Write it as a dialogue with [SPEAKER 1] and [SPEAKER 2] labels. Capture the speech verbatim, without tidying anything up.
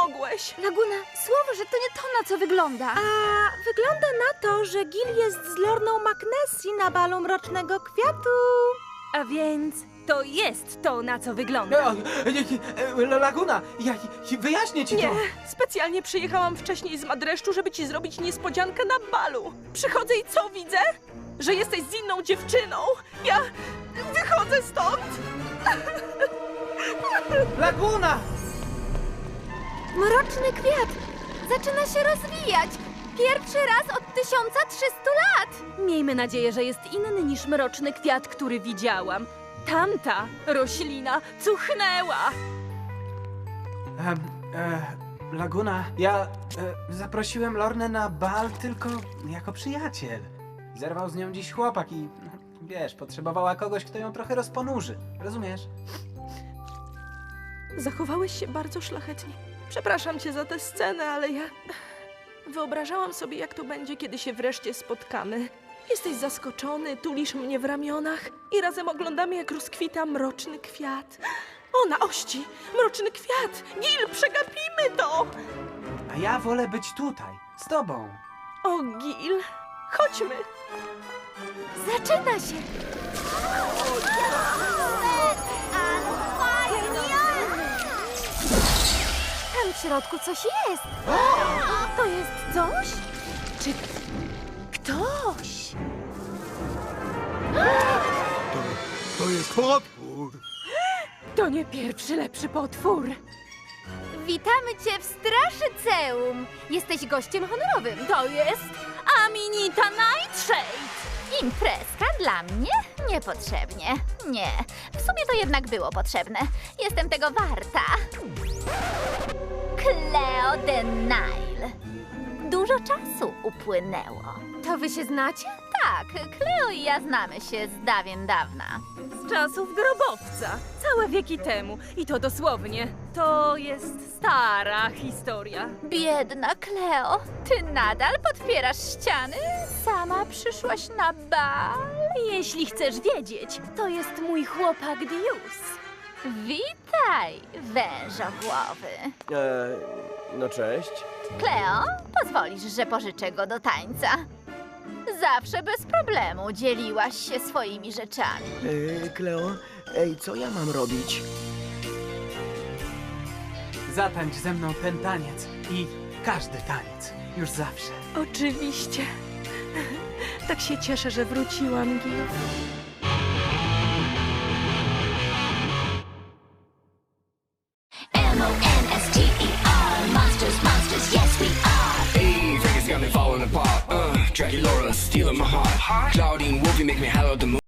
[SPEAKER 1] mogłeś?
[SPEAKER 2] Laguna, słowo, że to nie to, na co wygląda.
[SPEAKER 3] A wygląda na to, że Gil jest z Lorną McNessy na balu Mrocznego Kwiatu.
[SPEAKER 1] A więc to jest to, na co wygląda.
[SPEAKER 4] E, e, e, Laguna, ja, ja wyjaśnię ci
[SPEAKER 1] Nie,
[SPEAKER 4] to.
[SPEAKER 1] specjalnie przyjechałam wcześniej z Madreszczu, żeby ci zrobić niespodziankę na balu. Przychodzę i co widzę? Że jesteś z inną dziewczyną. Ja wychodzę stąd.
[SPEAKER 4] Laguna!
[SPEAKER 2] Mroczny kwiat zaczyna się rozwijać. Pierwszy raz od tysiąca trzystu lat.
[SPEAKER 1] Miejmy nadzieję, że jest inny niż mroczny kwiat, który widziałam. Tamta roślina cuchnęła.
[SPEAKER 4] Em, e, Laguna, ja e, zaprosiłem Lornę na bal tylko jako przyjaciel. Zerwał z nią dziś chłopak i, no, wiesz, potrzebowała kogoś, kto ją trochę rozponurzy. Rozumiesz?
[SPEAKER 1] Zachowałeś się bardzo szlachetnie. Przepraszam cię za tę scenę, ale ja wyobrażałam sobie, jak to będzie, kiedy się wreszcie spotkamy. Jesteś zaskoczony, tulisz mnie w ramionach i razem oglądamy, jak rozkwita mroczny kwiat. O, na ości! Mroczny kwiat! Gil, przegapimy to!
[SPEAKER 4] A ja wolę być tutaj, z tobą.
[SPEAKER 1] O, Gil, chodźmy!
[SPEAKER 2] Zaczyna się. Tam w środku coś jest. To jest coś? Czy ktoś?
[SPEAKER 5] To jest potwór.
[SPEAKER 1] To nie pierwszy lepszy potwór.
[SPEAKER 2] Witamy cię w Straszyceum. Jesteś gościem honorowym. To jest Aminita Nightshade.
[SPEAKER 6] Imprezka dla mnie? Niepotrzebnie. Nie, w sumie to jednak było potrzebne. Jestem tego warta. Cleo de Nile. Dużo czasu upłynęło.
[SPEAKER 2] To wy się znacie?
[SPEAKER 6] Tak, Cleo i ja znamy się z dawien dawna.
[SPEAKER 1] Z czasów grobowca, całe wieki temu. I to dosłownie. To jest stara historia.
[SPEAKER 6] Biedna Cleo, ty nadal podpierasz ściany? Sama przyszłaś na bal?
[SPEAKER 1] Jeśli chcesz wiedzieć, to jest mój chłopak Dius.
[SPEAKER 6] Witaj, wężogłowy.
[SPEAKER 5] E, no cześć.
[SPEAKER 6] Cleo, pozwolisz, że pożyczę go do tańca. Zawsze bez problemu dzieliłaś się swoimi rzeczami.
[SPEAKER 5] E, Kleo, ej, co ja mam robić?
[SPEAKER 4] Zatańcz ze mną ten taniec i każdy taniec, już zawsze.
[SPEAKER 1] Oczywiście. Tak się cieszę, że wróciłam, Gil.
[SPEAKER 7] M O N S T E R, monsters, monsters, yes we are.
[SPEAKER 8] Hey, Vegas got me falling apart. Uh, Jackie Laura stealing my heart. Claudine Wolfie make me hollow the moon.